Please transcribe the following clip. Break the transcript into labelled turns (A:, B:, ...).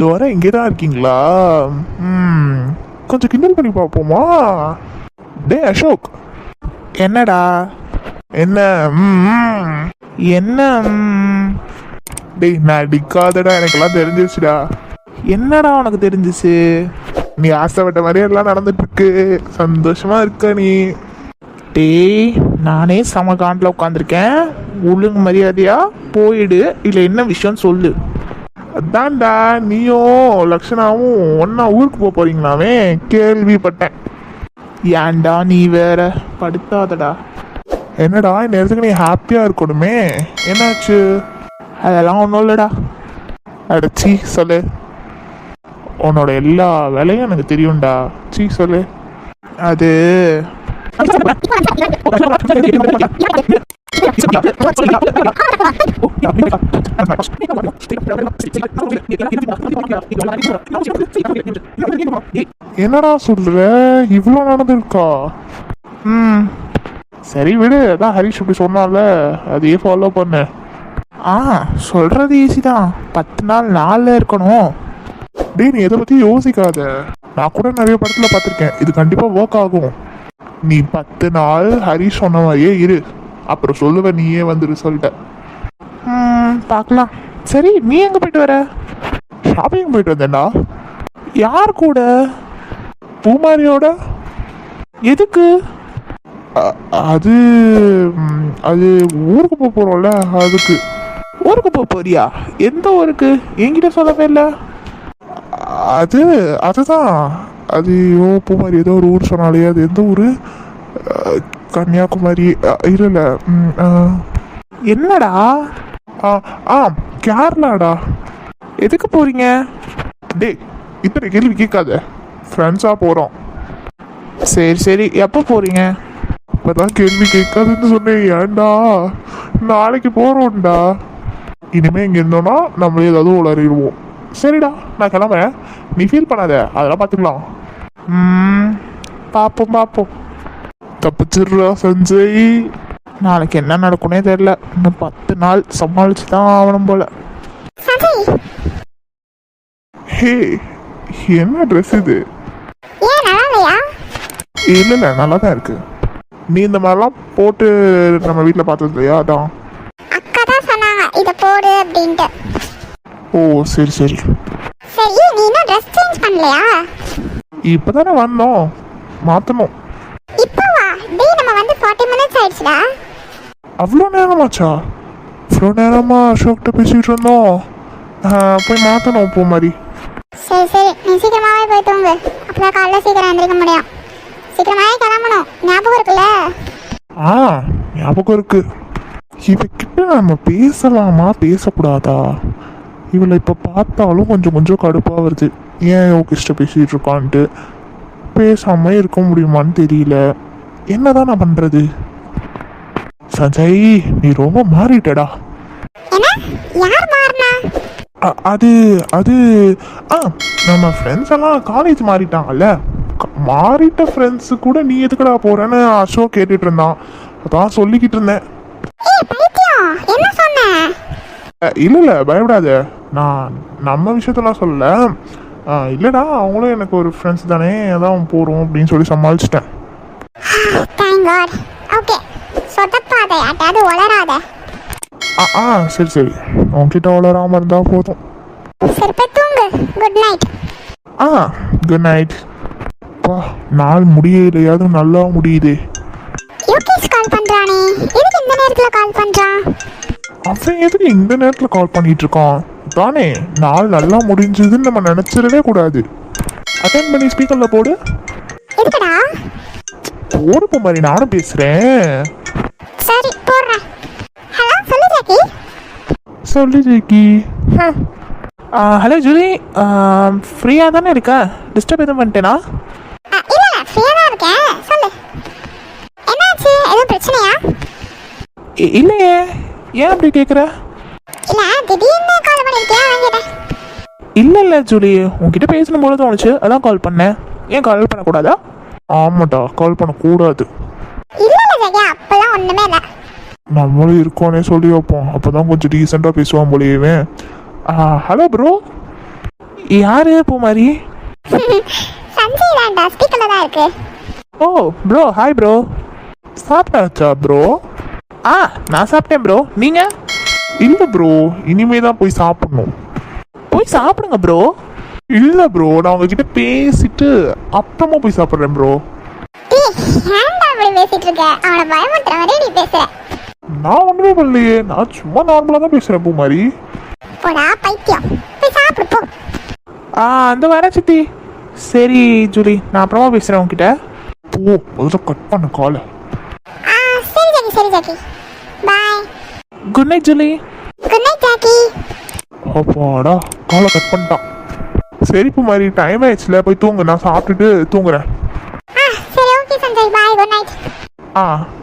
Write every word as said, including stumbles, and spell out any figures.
A: வர இங்கே தான் இருக்கீங்களா? ம் கொஞ்சம் கிண்டல் பண்ணி பார்ப்போமா? டே அசோக், என்னடா? என்ன? ம் என்ன? டேய் நான் அடிக்காதடா, எனக்கெல்லாம் தெரிஞ்சிருச்சுடா. என்னடா உனக்கு தெரிஞ்சிச்சு? நீ ஆசைப்பட்ட மாதிரியே எல்லாம் நடந்துட்டு இருக்கு, சந்தோஷமா இருக்க நீ. டேய் நானே சம காண்டில் உட்காந்துருக்கேன், ஒழுங்கு மரியாதையா போயிடு, இல்லை என்ன விஷயம் சொல்லு. அதான்டா நீயும் லக்ஷனாவும் ஒன்னா ஊருக்கு போக போறீங்களாமே, கேள்விப்பட்டேன். ஏன்டா நீ வேற படுத்தாதடா. என்னடா இந்த நேரத்துக்கு நீ ஹாப்பியா இருக்கணுமே, என்னாச்சு? அதெல்லாம் ஒன்றும் இல்லைடா. அடச்சி சொல்லு, உன்னோட எல்லா வேலையும் எனக்கு தெரியும்டா. சீ சொல்லு. அது என்னடா சொல்ற, இவ்வளோ நடந்திருக்கா? ம் சரி விடு, அதான் ஹரிஷ் இப்படி சொன்னால அதையே ஃபாலோ பண்ண. ஆ சொல்றது ஈஸி தான், பத்து நாள் நாளில் இருக்கணும். டே நீ எதை பற்றி யோசிக்காத, நான் கூட நிறைய படத்தில் பார்த்துருக்கேன், இது கண்டிப்பாக ஒர்க் ஆகும். நீ பத்து நாள் ஹரிஷ் சொன்ன மாதிரியே இரு, அப்புறம் சொல்லுவ நீயே வந்து ரிசல்ட்ட. ம் பார்க்கலாம். சரி நீ எங்கே போயிட்டு வர? ஷாப்பிங் போயிட்டு வந்தேன்டா. யார் கூட? பூமாரியோட. எதுக்கு? அது அது ஊருக்கு போக போகிறோம்ல, அதுக்கு. ஊருக்கு போக போறியா? எந்த ஊருக்கு? என்கிட்ட சொல்லவே இல்லை. அது அதுதான் அது ஓ பூமாரி ஏதோ ஒரு ஊர் சொன்னாலே, அது எந்த ஊர்? கன்னியாகுமரி இல்லைல்ல. என்னடா? ஆ ஆ கேரளாடா. எதுக்கு போறீங்க? டே இத்தனை கேள்வி கேட்காத, ஃப்ரெண்ட்ஸாக போகிறோம். சரி சரி எப்போ போகிறீங்க? இப்போதான் கேள்வி கேட்காதுன்னு சொன்னேன். ஏன்டா? நாளைக்கு போகிறோம்டா. இனிமேல் இங்கே இருந்தோன்னா நம்மளே ஏதாவது உளறிடுவோம். சரிடா நான் கிளம்புறேன், நீ ஃபீல் பண்ணாத, அதெல்லாம் பார்த்துக்கலாம். ம் பார்ப்போம் பார்ப்போம். தப்பிச்சிடுறா சஞ்சய். நாளைக்கு என்ன நடக்கும்னே தெரியல, இன்னும் பத்து நாள் சமாளிச்சு தான் ஆகணும் போல. ஹே என்ன ட்ரெஸ் இது? இல்லை இல்லை நல்லா தான் இருக்கு. நீ இந்த மாதிரிலாம் போட்டு நம்ம வீட்டில் பார்த்தது இல்லையா, அதான்.
B: அக்கா தான் சொன்னாங்க இதை போடு அப்படின்ட்டு.
A: ஓ சரி சரி
B: சரி நீ இன்னும் ட்ரெஸ் சேஞ்ச் பண்ணலையா?
A: இப்போதானே வந்தோம், மாற்றணும்.
B: இப்போ வா. டேய் நம்ம வந்து ஃபார்ட்டி மினிட்ஸ் ஆயிடுச்சுடா.
A: அவ்வளோ நேரமாச்சா? அவ்வளோ நேரமா அசோக்கிட்ட பேசிகிட்டு இருந்தோம். போய் மாற்றணும் போ மாதிரி.
B: சரி சரி நீ சீக்கிரமாகவே போய் தூங்கு, அப்பதான் காலைல சீக்கிரம் எழுந்திரிக்க முடியும். சீக்கிரமாகவே கிளம்பணும், ஞாபகம் இருக்குல்ல?
A: ஆ ஞாபகம் இருக்கு. இவகிட்ட நம்ம பேசலாமா பேசக்கூடாதா? இவளை இப்போ பார்த்தாலும் கொஞ்சம் கொஞ்சம் கடுப்பாக வருது. ஏன் யோகிஷ்ட பேசிகிட்டு இருக்கான்ட்டு பேசாமல் இருக்க முடியுமான்னு தெரியல. என்னதான் நான் பண்ணுறது? சஞ்சய் நீ ரொம்ப மாறிட்டடா. அது அது ஆ நம்ம ஃப்ரெண்ட்ஸ் எல்லாம் காலேஜ் மாறிட்டாங்கல்ல, மாறிட்ட ஃப்ரெண்ட்ஸு கூட நீ எதுக்கடா போறேன்னு அசோக் கேட்டுட்டு இருந்தான், அதான் சொல்லிக்கிட்டு இருந்தேன். இல்லை இல்லை பயப்படாத, நான் நம்ம விஷயத்தெல்லாம் சொல்லல. இல்லைடா அவங்களும் எனக்கு ஒரு ஃப்ரெண்ட்ஸ் தானே, அதான் போகிறோம் அப்படின்னு சொல்லி சமாளிச்சிட்டேன். ஆ ஆ சரி சரி உன்கிட்ட வளராமல் இருந்தால் போதும். ஆ குட் நைட். பா நாள் முடியலையாவது நல்லா முடியுது. அவன் எதுக்கு இந்த நேரத்தில் கால் பண்ணிட்டு இருக்கான்? தானே நாள் நல்லா முடிஞ்சதுன்னு நம்ம நினைச்சிடவே கூடாது. அட்டன் பண்ணி ஸ்பீக்கர்ல போடு. போடு மாதிரி நானும் பேசுறேன்.
B: சரி போடுறேன். ஹலோ சொல்லு ஜாக்கி.
A: சொல்லு ஜாக்கி. ஹலோ ஜூலி, ஃப்ரீயாக தானே இருக்கா? டிஸ்டர்ப் எதுவும் பண்ணிட்டேனா?
B: இல்லை ஃப்ரீயாக தான் இருக்கேன், சொல்லு. என்னாச்சு, எதுவும் பிரச்சனையா?
A: இல்லையே, ஏன் அப்படி கேட்குற?
B: இல்லை திடீர்னு கால் பண்ணியிருக்கேன், வாங்கிட்டேன்.
A: இல்லை இல்லை ஜூலி, உங்ககிட்ட பேசணும் போல தோணுச்சு, அதான் கால் பண்ணேன். ஏன் கால் பண்ணக்கூடாதா? ஆமாட்டா கால் பண்ணக்கூடாது.
B: இல்லை இல்லை ஜாக்கி அப்போல்லாம் ஒன்றுமே இல்லை.
A: நம்மளும் இருக்கோன்னே சொல்லி வைப்போம், அப்போ தான் கொஞ்சம் டீசெண்டாக பேசுவான் போலியவே. Hello bro. யாரு பூமாரி?
B: சஞ்சய் தான்டா, ஸ்பீக்கர்ல தான் இருக்கு.
A: ஓ ப்ரோ, ஹாய் ப்ரோ. சாப்பிட்டாச்சா ப்ரோ? ஆ நான் சாப்பிட்டேன் ப்ரோ. நீங்கள்? இல்லை ப்ரோ, இனிமே தான் போய் சாப்பிடணும். போய் சாப்பிடுங்க ப்ரோ. இல்லை ப்ரோ, நான் உங்ககிட்ட பேசிட்டு அப்புறமா போய் சாப்பிட்றேன் ப்ரோ.
B: டேய், ஏன்டா அப்படி பேசிட்டு இருக்க? அவனை பயமுறுத்துற மாதிரி நீ பேசுற.
A: நான் ஒன்றுமே பண்ணலையே, நான் சும்மா நார்மலாக தான் பேசுகிறேன் பூமாரி.
B: போடா பைத்தியம், போய் சாப்பிடு போ.
A: ஆ அந்த வர சித்தி. சரி ஜூலி, நான் அப்புறமா பேசுகிறேன் உங்ககிட்ட. போ, முதல்ல கட் பண்ண காலை.
B: ஆ சரி ஜாக்கி, சரி Jackie, bye.
A: Good night Julie.
B: Good night Jackie.
A: அப்பாடா, காலை கட் பண்ணிட்டான். சரி பூமாரி, டைம் ஆயிடுச்சுல, போய் தூங்கு. நான் சாப்பிட்டுட்டு தூங்குறேன்.
B: ஆ சரி, okay Sanjay, bye, good night.
A: ஆ